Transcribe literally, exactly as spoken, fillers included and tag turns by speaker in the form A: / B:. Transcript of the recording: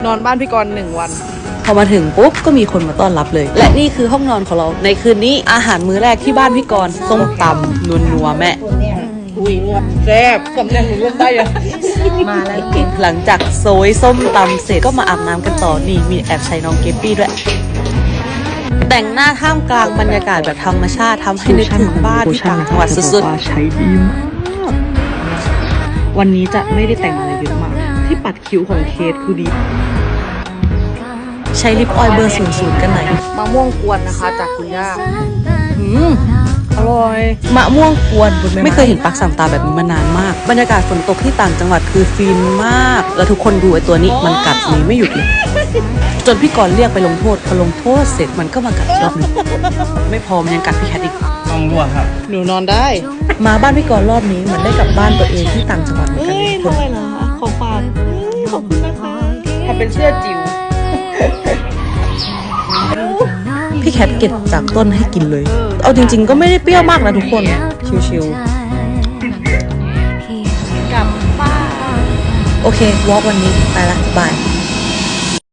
A: นอนบ้านพี่กรณ์หนึ่งวัน
B: พอมาถึงปุ๊บก็มีคนมาต้อนรับเลย และนี่คือห้องนอนของเราในคืนนี้อาหารมื้อแรกที่บ้านพี่กรณ์ส้มตำนัวนัวแม่
A: อุ้ยแซ่บสำเนียงหนูเล่นได้ยังมาแล้ว
B: หลังจากโซยส้มตำเสร็จก็มาอาบน้ำกันต่อนี่มีแอบใช้น้องเกปปี้ด้วยแต่งหน้าท่ามกลางบรรยากาศแบบธรรมชาติทำให้นึกถึงบ้านที่ต่างจังหวัดสุดๆ
C: ใช้ดีมากวันนี้จะไม่ได้แต่งอะไรเยอะมากที่ปัดคิ้วของเคสคือดี
B: ใช้ลิปออยล์เบอร์ศูนย์ศูนย์กันไหน
A: มะม่วงกวนนะคะจากคุณย่า
B: อืมอร่อยมะม่วงกวนไม่เคยเห็นปักสามตาแบบนี้มานานมากบรรยากาศฝนตกที่ต่างจังหวัดคือฟินมากแล้วทุกคนดูไอ้ตัวนี้มันกัดนี้ไม่หยุดเลยจนพี่กรณ์เรียกไปลงโทษพอลงโทษเสร็จมันก็มากัดรอบนึงไม่พอมันยังกัดพี่แคทอีก
D: ต้องรั่วครับ
A: หนูนอนได้
B: มาบ้านพี่กรณ์รอบนี้เหมือนได้กลับบ้านตัวเองที่ต่างจังหวัดเหมือนกันเลย
A: ทำไมล่ะขอฝากขอบคุณนะคะทำเป็นเสื้อจิ๋ว
B: พี่แคทเก็บจากต้นให้กินเลยเอาจริงๆก็ไม่ได้เปรี้ยวมากนะทุกคนชิว
A: ๆกลับบ้าน
B: โอเควอล์กวันนี้ไปละบาย